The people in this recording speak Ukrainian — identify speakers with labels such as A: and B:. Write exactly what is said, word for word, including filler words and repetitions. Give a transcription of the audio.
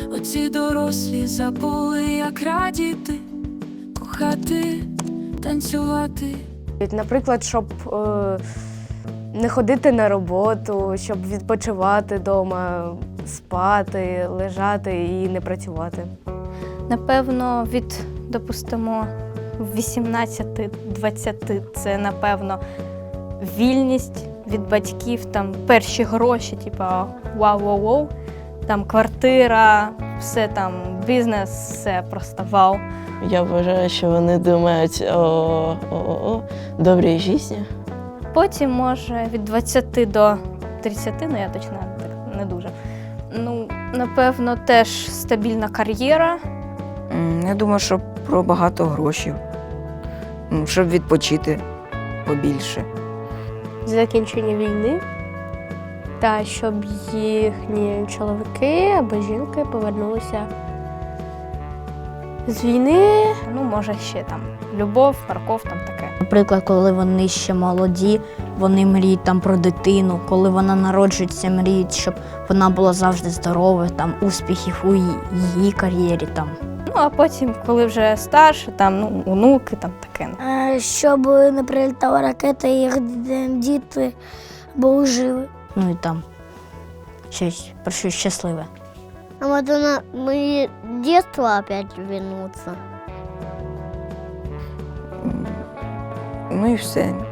A: Оці дорослі забули, як радіти, кохати, танцювати.
B: Наприклад, щоб е, не ходити на роботу, щоб відпочивати вдома, спати, лежати і не працювати.
C: Напевно, від, допустимо, вісімнадцяти двадцяти це, напевно, вільність від батьків, там перші гроші, типа вау-вау-вау, там квартира, все там, бізнес, все просто вау.
D: Я вважаю, що вони думають о, о, о добрій житті.
C: Потім, може, від двадцяти до тридцяти, ну я точно так не дуже. Ну, напевно, теж стабільна кар'єра.
E: Я думаю, що про багато грошей, щоб відпочити побільше.
F: Закінчення війни та щоб їхні чоловіки або жінки повернулися з війни.
C: Ну, може, ще там любов, морков, там таке.
G: Наприклад, коли вони ще молоді, вони мріють там про дитину. Коли вона народжується, мріють, щоб вона була завжди здорова, там успіхів у її, її кар'єрі. Там.
C: Ну, а потім, коли вже старше, там, ну, онуки, там таке.
H: Щоб не прилітала ракета, і їх діти були живі.
G: Ну і там щось про щось щасливе.
H: А вот на моє дитинство опять вернуться.
E: Ну і все.